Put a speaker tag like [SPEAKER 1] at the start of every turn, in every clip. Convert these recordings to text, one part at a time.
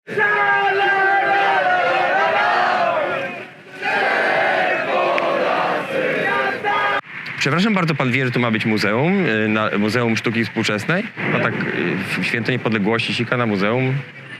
[SPEAKER 1] Przepraszam bardzo, pan wie, że tu ma być muzeum, Muzeum Sztuki Współczesnej? No tak, w Święto Niepodległości sika na muzeum.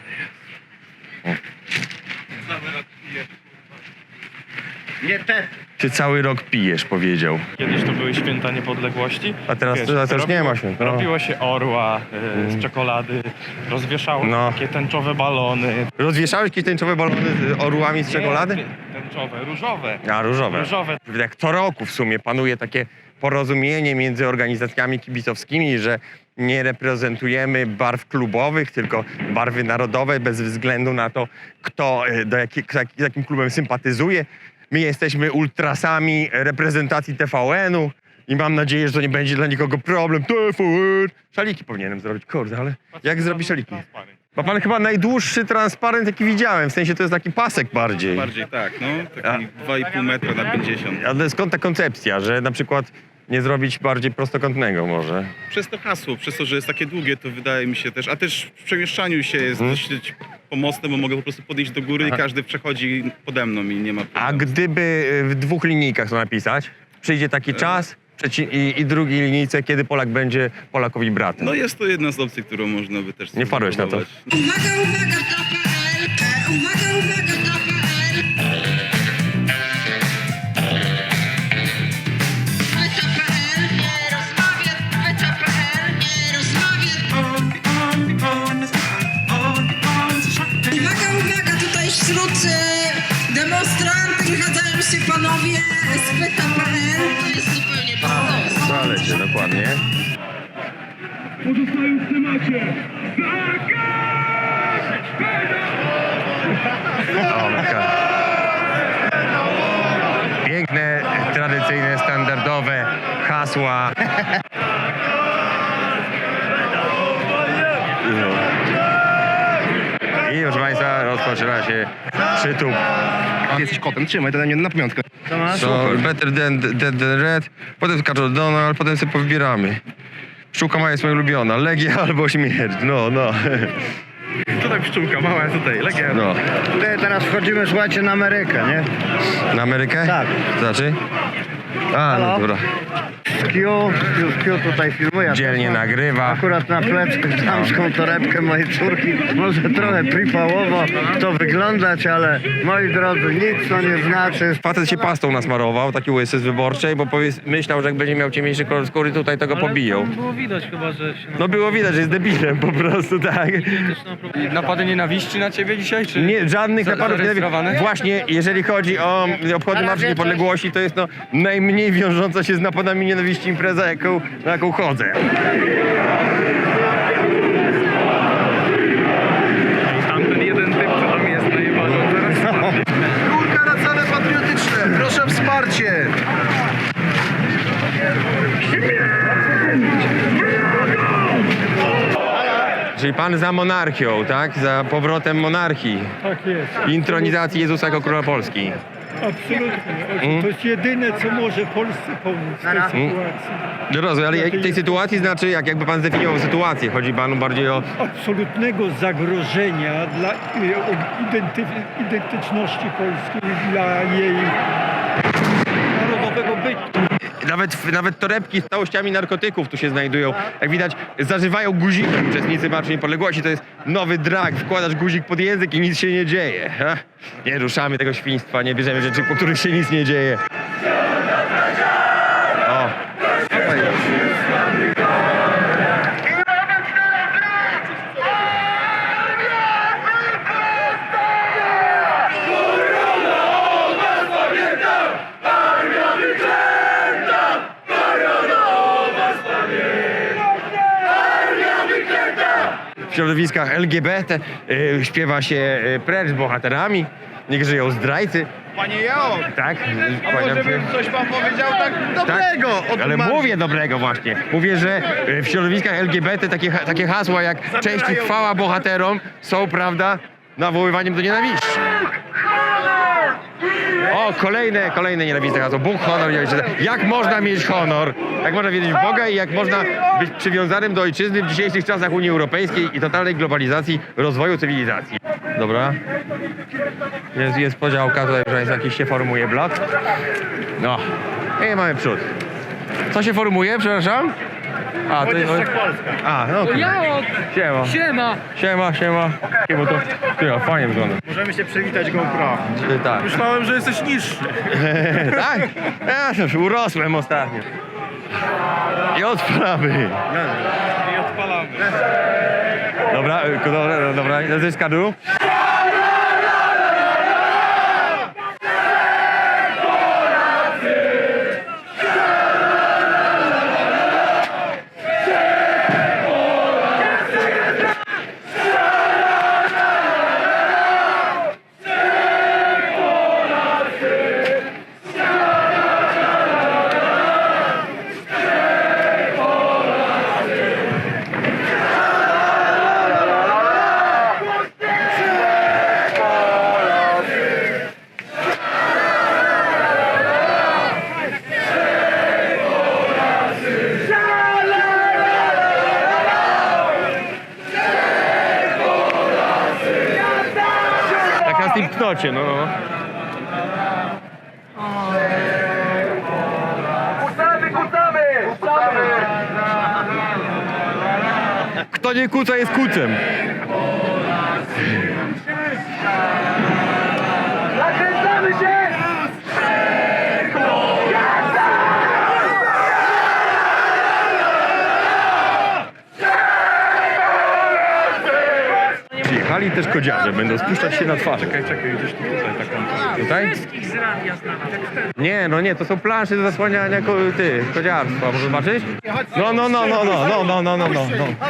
[SPEAKER 2] Nie te.
[SPEAKER 1] Ty cały rok pijesz, powiedział.
[SPEAKER 3] Kiedyś to były święta niepodległości.
[SPEAKER 1] A teraz to już nie ma święta. No.
[SPEAKER 3] Robiło się orła z czekolady, rozwieszało
[SPEAKER 1] No.
[SPEAKER 3] takie tęczowe balony.
[SPEAKER 1] Rozwieszałeś jakieś tęczowe balony z orłami z czekolady?
[SPEAKER 3] Nie, tęczowe, różowe.
[SPEAKER 1] A, różowe.
[SPEAKER 3] Różowe.
[SPEAKER 1] Jak co roku w sumie panuje takie porozumienie między organizacjami kibicowskimi, że nie reprezentujemy barw klubowych, tylko barwy narodowe bez względu na to, kto z jakim klubem sympatyzuje. My jesteśmy ultrasami reprezentacji TVN-u i mam nadzieję, że to nie będzie dla nikogo problem. TVN! Szaliki powinienem zrobić, kurde, ale jak zrobić szaliki? Ma pan chyba najdłuższy transparent, jaki widziałem, w sensie to jest taki pasek bardziej.
[SPEAKER 4] Bardziej tak, no. Taki 2,5 metra na 50.
[SPEAKER 1] Ale skąd ta koncepcja, że na przykład nie zrobić bardziej prostokątnego może?
[SPEAKER 4] Przez to hasło, przez to, że jest takie długie, to wydaje mi się też, a też w przemieszczaniu się jest dosyć pomocne, bo mogę po prostu podejść do góry i każdy przechodzi pode mną i nie ma problemu.
[SPEAKER 1] A gdyby w dwóch linijkach to napisać, przyjdzie taki czas i drugiej linijce, kiedy Polak będzie Polakowi bratem.
[SPEAKER 4] No jest to jedna z opcji, którą można by też
[SPEAKER 1] Nie wpadłeś na to?
[SPEAKER 4] spróbować.
[SPEAKER 5] Uwaga, uwaga, TVN! Uwaga, uwaga, TVN! TVN nie rozmawia, TVN nie rozmawia. Uwaga, uwaga, tutaj wśród demonstrantów wychadzają się panowie z TVN. To jest zupełnie bez sensu.
[SPEAKER 1] Zalecie, dokładnie.
[SPEAKER 6] Pozostają w temacie.
[SPEAKER 1] Piękne, tradycyjne, standardowe hasła. I proszę Państwa, rozpoczyna się przytup.
[SPEAKER 2] Ty jesteś kotem, trzymaj to na mnie na pamiątkę.
[SPEAKER 1] So, better than red, potem skaczą Donald, potem sobie powybieramy. Pszczółka mała jest moja ulubiona, Legia albo śmierć, no.
[SPEAKER 2] Tutaj pszczółka mała, tutaj Legia.
[SPEAKER 1] No.
[SPEAKER 2] Tutaj teraz wchodzimy, słuchajcie, na Amerykę, nie?
[SPEAKER 1] Na Amerykę?
[SPEAKER 2] Tak.
[SPEAKER 1] To znaczy? A, no
[SPEAKER 2] Halo?
[SPEAKER 1] dobra.
[SPEAKER 2] Q tutaj filmuje.
[SPEAKER 1] Dzielnie nagrywa.
[SPEAKER 2] Akurat na plecy damską torebkę mojej córki. Może trochę pripałowo to wyglądać, ale moi drodzy, nic to nie znaczy.
[SPEAKER 1] Facet się pastą nasmarował, taki łysy z wyborczej, bo myślał, że jak będzie miał ciemniejszy kolor skóry, tutaj tego pobiją.
[SPEAKER 7] Było widać chyba, że się
[SPEAKER 1] No było widać, że jest debilem po prostu, tak.
[SPEAKER 7] napady nienawiści na ciebie dzisiaj, czy?
[SPEAKER 1] Nie, żadnych napadów.
[SPEAKER 7] zarejestrowane?
[SPEAKER 1] Właśnie, jeżeli chodzi o obchody Marszu Niepodległości, to jest no najmniej wiążąca się z napadami nienawiści impreza, na jaką chodzę.
[SPEAKER 3] Tamten jeden typ, co tam jest najebany.
[SPEAKER 2] Górka na cele patriotyczne, proszę o wsparcie.
[SPEAKER 1] Czyli pan za monarchią, tak? Za powrotem monarchii.
[SPEAKER 6] Tak jest.
[SPEAKER 1] Intronizacji Jezusa jako Króla Polski.
[SPEAKER 6] Absolutnie. To jest jedyne, co może Polsce pomóc w tej sytuacji.
[SPEAKER 1] Rozumiem, ale tej sytuacji znaczy, jakby pan zdefiniował sytuację? Chodzi panu bardziej o...
[SPEAKER 6] Absolutnego zagrożenia dla identyczności polskiej, dla jej narodowego bytu.
[SPEAKER 1] Nawet torebki z całościami narkotyków tu się znajdują. Jak widać, zażywają guziki uczestnicy Marszu Niepodległości. To jest nowy drag. Wkładasz guzik pod język i nic się nie dzieje. Ha? Nie ruszamy tego świństwa, nie bierzemy rzeczy, po których się nic nie dzieje. O. W środowiskach LGBT śpiewa się precz z bohaterami, niech żyją zdrajcy.
[SPEAKER 2] Panie Jao,
[SPEAKER 1] Tak?
[SPEAKER 2] a może bym coś pan powiedział tak dobrego od
[SPEAKER 1] Ale
[SPEAKER 2] Marszu?
[SPEAKER 1] mówię dobrego właśnie. Mówię, że w środowiskach LGBT takie hasła jak cześć i chwała bohaterom są, prawda, nawoływaniem do nienawiści. O, kolejne nienawistne hasło. Bóg, honor, jak można mieć honor? Jak można wierzyć w Boga i jak można być przywiązanym do ojczyzny w dzisiejszych czasach Unii Europejskiej i totalnej globalizacji rozwoju cywilizacji? dobra. Jest podziałka, tutaj proszę Państwa, jakiś się formuje blok. No, i mamy przód. Co się formuje, przepraszam? A, to jest... A, no okej. Siema. Siema. Siema, to... Ty, fajnie wygląda.
[SPEAKER 6] Możemy się przywitać GoPro.
[SPEAKER 1] Tak.
[SPEAKER 3] Myślałem, że jesteś niższy.
[SPEAKER 1] Tak? Ja już urosłem ostatnio. I odpalamy.
[SPEAKER 3] I odpalamy.
[SPEAKER 1] Dobra, to jest kadru. Tak na tym knocie, no. Kto nie kuca, jest kucem. Przyjechali też kodziarze, będą spuszczać się na twarz.
[SPEAKER 3] Czekaj, gdzieś tutaj taką.
[SPEAKER 1] Tutaj? Nie, no nie, to są plansze do zasłaniania kodziarstwa, może zobaczyć? No.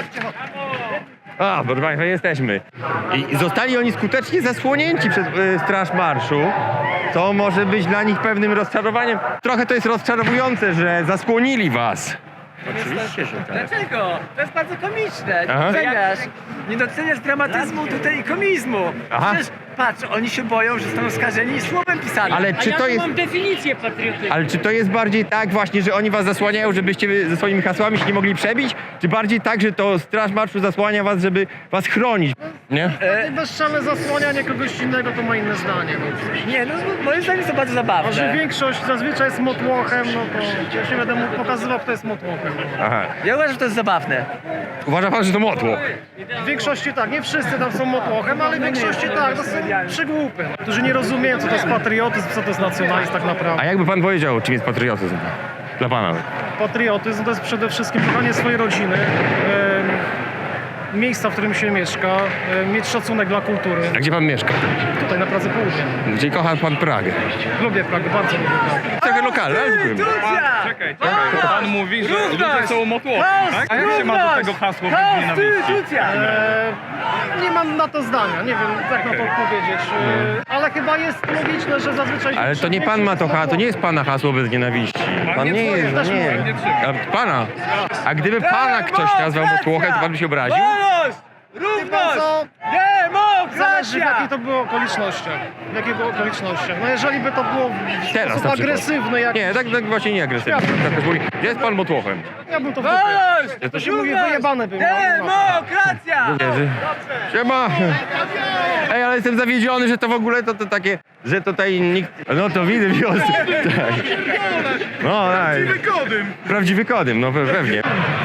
[SPEAKER 1] A, proszę Państwa, jesteśmy. I zostali oni skutecznie zasłonięci przez Straż Marszu, co może być dla nich pewnym rozczarowaniem. Trochę to jest rozczarowujące, że zasłonili was. Oczywiście, że tak.
[SPEAKER 8] Dlaczego? To jest bardzo komiczne.
[SPEAKER 1] Aha.
[SPEAKER 8] Nie doceniasz dramatyzmu tutaj i komizmu.
[SPEAKER 1] Aha.
[SPEAKER 8] Przecież patrz, oni się boją, że zostaną skażeni słowem pisanym.
[SPEAKER 1] Ale czy to jest...
[SPEAKER 9] Mam definicję patriotyzmu.
[SPEAKER 1] Ale czy to jest bardziej tak właśnie, że oni was zasłaniają, żebyście wy ze swoimi hasłami się nie mogli przebić? Czy bardziej tak, że to Straż Marszu zasłania was, żeby was chronić? Nie?
[SPEAKER 6] Bezczelne zasłanianie kogoś innego to ma inne zdanie.
[SPEAKER 8] Nie, no moim zdaniem są bardzo
[SPEAKER 6] A że
[SPEAKER 8] zabawne.
[SPEAKER 6] większość zazwyczaj jest motłochem, no to już nie będę mógł pokazywał, kto jest motłochem.
[SPEAKER 1] Aha.
[SPEAKER 8] Ja uważam, że to jest zabawne.
[SPEAKER 1] Uważa pan, że to motłoch?
[SPEAKER 6] W większości tak, nie wszyscy tam są motłochem, ale w większości tak, to są przygłupy, którzy nie rozumieją, co to jest patriotyzm, co to jest nacjonalizm tak
[SPEAKER 1] A
[SPEAKER 6] naprawdę.
[SPEAKER 1] jakby pan powiedział, czym jest patriotyzm? Dla pana.
[SPEAKER 6] Patriotyzm to jest przede wszystkim kochanie swojej rodziny, miejsca, w którym się mieszka, mieć szacunek dla kultury.
[SPEAKER 1] A gdzie pan mieszka?
[SPEAKER 6] Tutaj na Pradze Południe.
[SPEAKER 1] Gdzie kocha pan Pragę?
[SPEAKER 6] Lubię Pragę, bardzo lubię Pragę.
[SPEAKER 1] Trochę lokalne, ale dziękuję.
[SPEAKER 3] Czekaj. Pan mówi, że ludzie są motłowi, tak? A jak się ma do tego hasło bez nienawiści?
[SPEAKER 6] Nie mam na to zdania, nie wiem jak na to odpowiedzieć, ale chyba jest logiczne, że zazwyczaj...
[SPEAKER 1] Ale to nie pan ma to hasło, to nie jest pana hasło bez nienawiści. Pan nie jest, no nie. A pana. A gdyby pana ktoś nazwał motłochem, to pan by się obraził?
[SPEAKER 6] Co? Zależy w jakiej to było okolicznościach. W jakiej było okolicznościach. No jeżeli by to było w
[SPEAKER 1] Teraz
[SPEAKER 6] sposób
[SPEAKER 1] na przykład.
[SPEAKER 6] agresywny, jak
[SPEAKER 1] Nie, tak właśnie nie agresywnie. Tak mówi, jest pan motłochem.
[SPEAKER 6] ja bym to w dupie. To się mówi wyjebane bym.
[SPEAKER 8] Demokracja!
[SPEAKER 1] Siema! Ej, ale jestem zawiedziony, że to w ogóle to takie, że tutaj nikt... No to widzę wiosnę. Tak. No, tak. Prawdziwy kodym, no pewnie.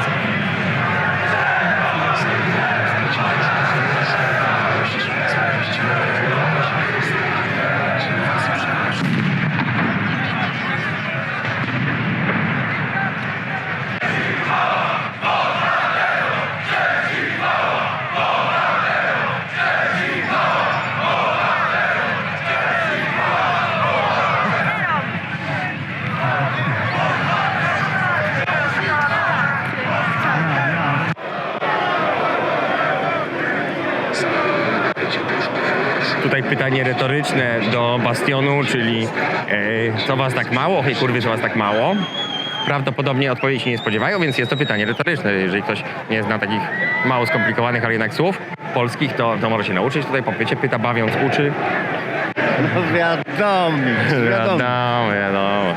[SPEAKER 1] Tutaj pytanie retoryczne do Bastionu, czyli co was tak mało? Hej kurwy, że was tak mało? Prawdopodobnie odpowiedzi się nie spodziewają, więc jest to pytanie retoryczne. Jeżeli ktoś nie zna takich mało skomplikowanych, ale jednak słów polskich, to może się nauczyć. Tutaj po pycie pyta, bawiąc uczy.
[SPEAKER 2] No wiadomo.
[SPEAKER 1] Wiadomo.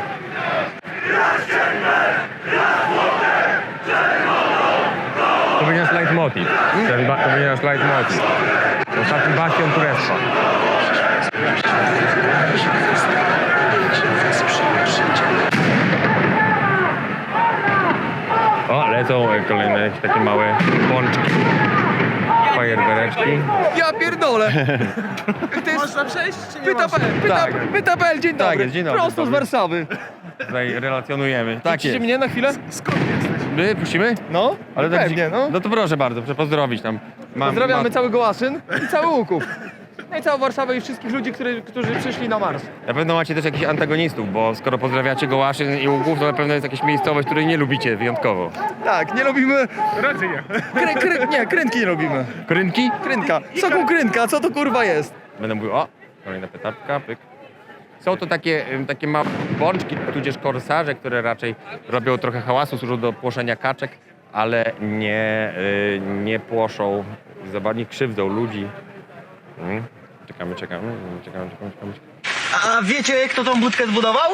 [SPEAKER 1] To będzie nasz leitmotiv. To będzie nasz leitmotiv. Ostatni bastion Turectwa. O, lecą kolejne jakieś takie małe pączki. Fajerwereczki.
[SPEAKER 7] Ja pierdolę!
[SPEAKER 8] Można przejść, czy nie
[SPEAKER 7] Pyta.pl, dzień dobry.
[SPEAKER 1] jest, dzień dobry,
[SPEAKER 7] Prosto z
[SPEAKER 1] dobry.
[SPEAKER 7] Warszawy.
[SPEAKER 1] Tutaj relacjonujemy. Tak
[SPEAKER 7] Puścicie
[SPEAKER 1] jest.
[SPEAKER 7] mnie na chwilę?
[SPEAKER 1] My puścimy?
[SPEAKER 7] No,
[SPEAKER 1] Ale tak,
[SPEAKER 7] pewnie, no.
[SPEAKER 1] No to proszę bardzo, proszę pozdrowić tam.
[SPEAKER 7] Pozdrawiamy cały Gołaszyn i cały Łuków. No i całą Warszawę i wszystkich ludzi, którzy przyszli na marsz.
[SPEAKER 1] Na pewno macie też jakichś antagonistów, bo skoro pozdrawiacie Gołaszyn i Łuków, to na pewno jest jakaś miejscowość, której nie lubicie wyjątkowo.
[SPEAKER 7] Tak, nie lubimy...
[SPEAKER 3] Raczej nie.
[SPEAKER 7] Nie, krętki nie lubimy.
[SPEAKER 1] Krynki?
[SPEAKER 7] Krynka. Soku krynka, co to kurwa jest?
[SPEAKER 1] Będę mówił, o, kolejna petapka, pyk. Są to takie małe bączki, tudzież korsarze, które raczej robią trochę hałasu, służą do płoszenia kaczek, ale nie płoszą, nie krzywdzą ludzi. Czekamy.
[SPEAKER 9] A wiecie, kto tą budkę zbudował?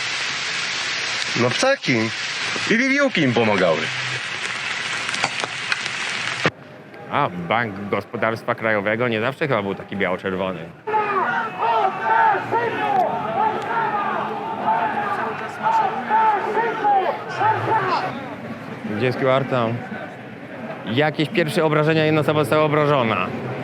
[SPEAKER 2] No ptaki.
[SPEAKER 9] I wiewiórki im pomagały.
[SPEAKER 1] A, Bank Gospodarstwa Krajowego nie zawsze chyba był taki biało-czerwony. Gdzie jest QR tam? Jakieś pierwsze obrażenia, jedna osoba została obrażona.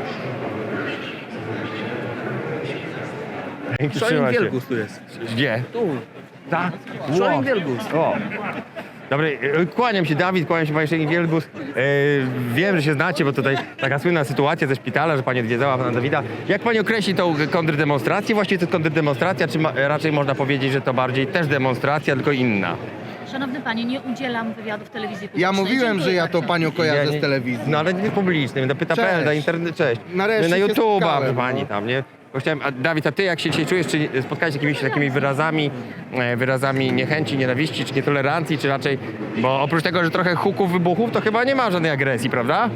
[SPEAKER 1] Trzyma się.
[SPEAKER 7] tu jest.
[SPEAKER 1] Gdzie?
[SPEAKER 7] Tu.
[SPEAKER 1] Tak.
[SPEAKER 7] Szolin Wielgus.
[SPEAKER 1] O. Dobry, kłaniam się Dawid, kłaniam się Panie Szejnik Wielgus. Wiem, że się znacie, bo tutaj taka słynna sytuacja ze szpitala, że Pani odwiedzała Pana Dawida. Jak Pani określi tą kontrdemonstrację? Właściwie to jest kontrdemonstracja, czy raczej można powiedzieć, że to bardziej też demonstracja, tylko inna?
[SPEAKER 10] Szanowny Panie, nie udzielam wywiadów w telewizji publicznej.
[SPEAKER 11] Ja mówiłem, że ja to
[SPEAKER 10] Dziękuję
[SPEAKER 11] panią kojarzę
[SPEAKER 1] Nie,
[SPEAKER 11] z telewizji.
[SPEAKER 1] No ale nie publicznym, na pyta.pl,
[SPEAKER 11] Cześć.
[SPEAKER 1] na internet, cześć.
[SPEAKER 11] Nareszcie
[SPEAKER 1] Na
[SPEAKER 11] się
[SPEAKER 1] YouTube'a,
[SPEAKER 11] spotkałem,
[SPEAKER 1] Pani
[SPEAKER 11] no.
[SPEAKER 1] tam, nie? Bo chciałem, a Dawid, a Ty jak się dzisiaj czujesz, czy spotkałeś się z jakimiś takimi wyrazami niechęci, nienawiści, czy nietolerancji, czy raczej, bo oprócz tego, że trochę huków, wybuchów, to chyba nie ma żadnej agresji, prawda?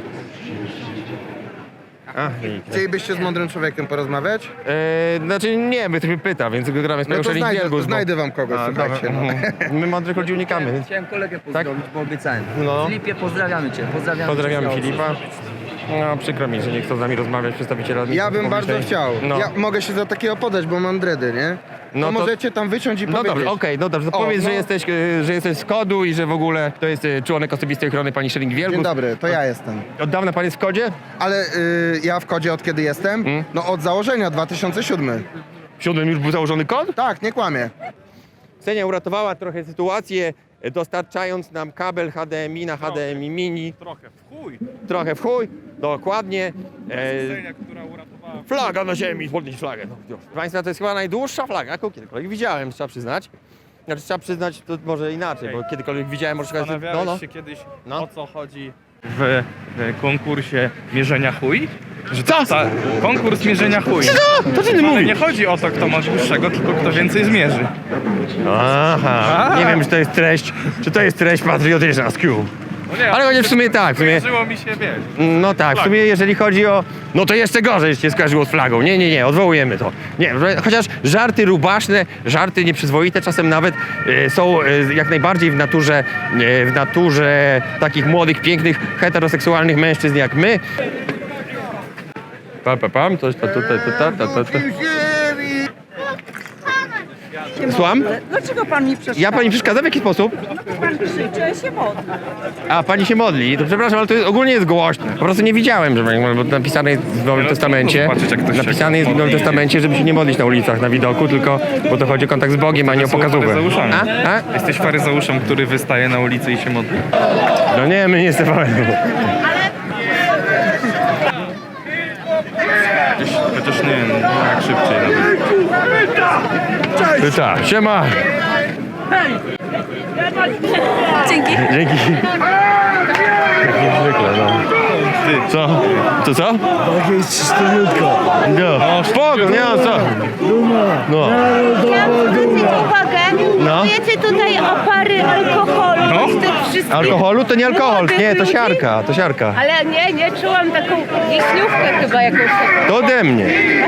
[SPEAKER 11] Chcielibyście z mądrym człowiekiem porozmawiać?
[SPEAKER 1] Znaczy nie, by mnie pyta, więc gramy z
[SPEAKER 11] No
[SPEAKER 1] Panią
[SPEAKER 11] to
[SPEAKER 1] Szejnik Wielgus.
[SPEAKER 11] znajdę wam kogoś, słuchajcie. No.
[SPEAKER 1] My mądrych ludzi unikamy. Więc...
[SPEAKER 8] Chciałem kolegę pozdrowić, bo obiecałem.
[SPEAKER 1] No.
[SPEAKER 8] Filipie, pozdrawiamy Cię.
[SPEAKER 1] Pozdrawiamy Filipa. No przykro mi, że nie chcą z nami rozmawiać przedstawiciele
[SPEAKER 11] Ja
[SPEAKER 1] administracji
[SPEAKER 11] bym bardzo
[SPEAKER 1] publicznej.
[SPEAKER 11] chciał.
[SPEAKER 1] No.
[SPEAKER 11] Ja mogę się za takiego podać, bo mam dredy, nie?
[SPEAKER 1] No
[SPEAKER 11] to
[SPEAKER 1] to-
[SPEAKER 11] możecie tam wyciąć i
[SPEAKER 1] No
[SPEAKER 11] powiedzieć.
[SPEAKER 1] dobrze, okej, no dobrze. To
[SPEAKER 11] O,
[SPEAKER 1] powiedz,
[SPEAKER 11] no.
[SPEAKER 1] że jesteś z kodu i że w ogóle to jest członek osobistej ochrony pani Szejnik Wielgus.
[SPEAKER 11] Dzień dobry, to ja jestem.
[SPEAKER 1] Od dawna pan jest w kodzie?
[SPEAKER 11] Ale ja w kodzie od kiedy jestem? No od założenia, 2007.
[SPEAKER 1] W 7 już był założony kod?
[SPEAKER 11] Tak, nie kłamie.
[SPEAKER 1] Ksenia uratowała trochę sytuację, dostarczając nam kabel HDMI na HDMI mini. Trochę w chuj, dokładnie.
[SPEAKER 3] Ksenia, która uratowała...
[SPEAKER 1] Flaga na ziemi, podnieś flagę. No, już. Proszę Państwa, to jest chyba najdłuższa flaga, jaką kiedykolwiek widziałem, trzeba przyznać. Znaczy trzeba przyznać, to może inaczej, bo kiedykolwiek widziałem, może szukać...
[SPEAKER 3] Zastanawiałeś się kiedyś,
[SPEAKER 1] No.
[SPEAKER 3] o co chodzi w konkursie mierzenia chuj? Że
[SPEAKER 1] Co?
[SPEAKER 3] Konkurs mierzenia chuj.
[SPEAKER 1] Co? To ty nie
[SPEAKER 3] Ale
[SPEAKER 1] mówisz?
[SPEAKER 3] nie chodzi o to, kto ma dłuższego, tylko kto więcej zmierzy.
[SPEAKER 1] Aha, nie wiem, czy to jest treść patriotyczna z Q.
[SPEAKER 3] No nie,
[SPEAKER 1] Ale chociaż w sumie tak, w sumie...
[SPEAKER 3] Skojarzyło mi się, wiesz.
[SPEAKER 1] No tak, w sumie jeżeli chodzi o... No to jeszcze gorzej się skojarzyło z flagą. Nie, odwołujemy to. Nie, chociaż żarty rubaszne, żarty nieprzyzwoite czasem nawet są jak najbardziej w naturze takich młodych, pięknych, heteroseksualnych mężczyzn jak my. Pam, coś to tutaj, Słucham?
[SPEAKER 5] Dlaczego pan mi przeszkadza?
[SPEAKER 1] Ja pani przeszkadzam w jaki sposób?
[SPEAKER 5] Pan krzyczy, ja się modlę.
[SPEAKER 1] A, pani się modli. To przepraszam, ale to ogólnie jest głośne. Po prostu nie widziałem, że bo napisane jest w Nowym Testamencie.
[SPEAKER 3] zobaczyć, jak ktoś się
[SPEAKER 1] Napisane jest w Nowym
[SPEAKER 3] modli.
[SPEAKER 1] Testamencie, żeby się nie modlić na ulicach, na widoku, tylko bo to chodzi o kontakt z Bogiem, a nie o pokazówkę.
[SPEAKER 3] faryzeuszami.
[SPEAKER 1] A?
[SPEAKER 3] Jesteś faryzeuszem, który wystaje na ulicy i się modli?
[SPEAKER 1] No nie, my nie jesteśmy.
[SPEAKER 3] Chociaż nie wiem, jak szybciej nawet.
[SPEAKER 1] Pyta. Siema.
[SPEAKER 10] Dzięki.
[SPEAKER 1] Dzięki. Jak niezwykle, no.
[SPEAKER 3] Ty.
[SPEAKER 1] Co? To co?
[SPEAKER 6] Tak jest czystuniutko.
[SPEAKER 1] No, spoko, nie ma co. No.
[SPEAKER 10] Chciałam zwrócić uwagę,
[SPEAKER 1] No.
[SPEAKER 10] wiecie tutaj opary alkoholu,
[SPEAKER 3] No.
[SPEAKER 10] z tych wszystkich
[SPEAKER 1] Alkoholu to nie alkohol,
[SPEAKER 10] młodych
[SPEAKER 1] nie, to
[SPEAKER 10] ludzi.
[SPEAKER 1] siarka, to siarka.
[SPEAKER 10] Ale nie, czułam taką wiśniówkę chyba jakąś taką.
[SPEAKER 1] To ode mnie.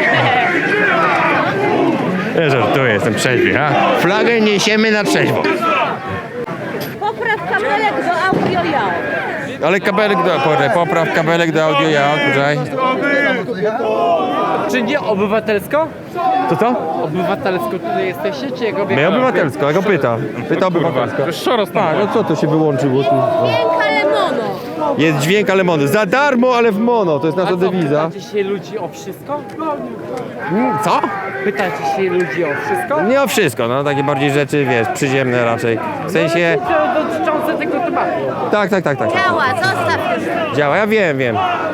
[SPEAKER 1] Ja żartuję, jestem trzeźwy, ha? Flagę niesiemy na trzeźwo.
[SPEAKER 10] Popraw kabelek do audio ja.
[SPEAKER 1] Ale kabelek do... Popraw kabelek do audio, ja, tutaj.
[SPEAKER 8] Czy nie obywatelsko?
[SPEAKER 7] Co?
[SPEAKER 8] Obywatelsko tutaj jesteście, czy jego
[SPEAKER 7] My obywatelsko, ja go pyta. Pyta obywatelsko.
[SPEAKER 3] To jest szoros tam.
[SPEAKER 7] Tak, no co to się wyłączyło tu?
[SPEAKER 10] Dźwięk, ale mono.
[SPEAKER 7] Jest dźwięk, ale mono. Za darmo, ale w mono. To jest nasza dewiza.
[SPEAKER 8] Pytacie się ludzi o wszystko?
[SPEAKER 7] Co?
[SPEAKER 8] Pytacie się ludzi o wszystko?
[SPEAKER 7] Nie o wszystko, no takie bardziej rzeczy, wiesz, przyziemne raczej. W sensie...
[SPEAKER 8] To dotyczące tego tematu.
[SPEAKER 7] Tak.
[SPEAKER 10] Działa, zostaw już.
[SPEAKER 7] Działa, ja wiem.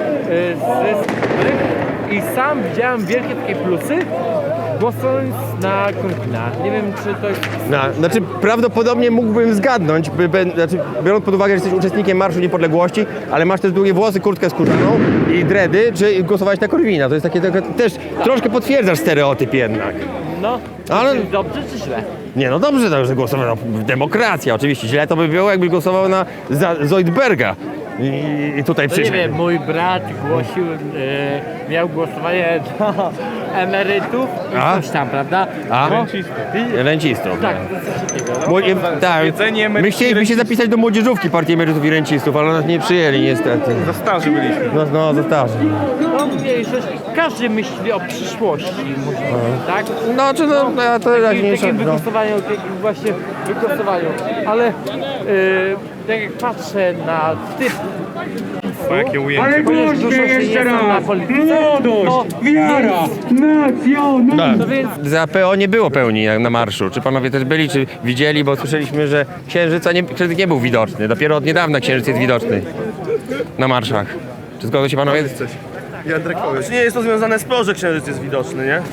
[SPEAKER 8] I sam widziałem wielkie takie plusy, głosując na Korwina. Nie wiem, czy to jest...
[SPEAKER 7] Znaczy prawdopodobnie mógłbym zgadnąć, biorąc pod uwagę, że jesteś uczestnikiem Marszu Niepodległości, ale masz też długie włosy, kurtkę skórzaną i dready, czy głosowałeś na Korwina. To jest takie też troszkę potwierdzasz stereotyp jednak.
[SPEAKER 8] No,
[SPEAKER 7] Ale-
[SPEAKER 8] czy dobrze, czy źle?
[SPEAKER 7] Nie, no dobrze, że głosował na demokrację, oczywiście. Źle to by było, jakbyś głosował na Zoidberga. I tutaj
[SPEAKER 8] No nie
[SPEAKER 7] przyszedł.
[SPEAKER 8] wiem, mój brat głosił, miał głosowanie do emerytów i
[SPEAKER 7] A?
[SPEAKER 8] coś tam, prawda?
[SPEAKER 7] A?
[SPEAKER 8] No,
[SPEAKER 7] Rencistów.
[SPEAKER 8] tak, to coś takiego. No.
[SPEAKER 7] Bo, tak,
[SPEAKER 3] Jedzenie
[SPEAKER 7] my
[SPEAKER 3] emerytów i
[SPEAKER 7] chcieliśmy się
[SPEAKER 3] rencistów.
[SPEAKER 7] zapisać do młodzieżówki Partii Emerytów i Rencistów, ale nas nie przyjęli niestety.
[SPEAKER 3] Za starzy byliśmy.
[SPEAKER 7] No, za starzy.
[SPEAKER 8] No, mniejszość, każdy myśli o przyszłości, tak?
[SPEAKER 7] No, czy no, ja to najmniejsza.
[SPEAKER 8] Takim
[SPEAKER 7] No.
[SPEAKER 8] wygłosowaniu, takim właśnie wygłosowaniu, ale tak jak patrzę na typ,
[SPEAKER 3] O, jakie ujęcie.
[SPEAKER 8] ponieważ dużo się nie znam na polityce, wiara,
[SPEAKER 7] Tak.
[SPEAKER 8] no więc
[SPEAKER 7] Za PO nie było pełni na marszu. Czy panowie też byli, czy widzieli? Bo słyszeliśmy, że księżyc nie był widoczny. Dopiero od niedawna księżyc jest widoczny na marszach. Czy zgodzą się panowie?
[SPEAKER 6] Czy nie jest to związane z PO, że księżyc jest widoczny, nie?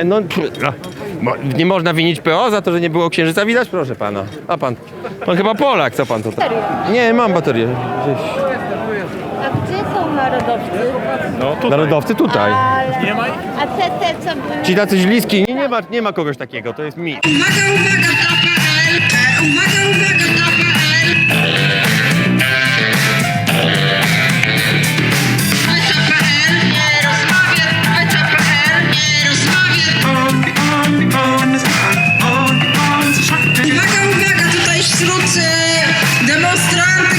[SPEAKER 7] Nie można winić PO za to, że nie było księżyca widać? Proszę pana. A pan chyba Polak, co pan tutaj? Nie, mam baterię. Gdzieś.
[SPEAKER 10] A gdzie są narodowcy?
[SPEAKER 7] Narodowcy tutaj.
[SPEAKER 10] A te co były?
[SPEAKER 7] Ci tacy źliski, nie ma kogoś takiego, to jest mit.
[SPEAKER 5] Uwaga, uwaga,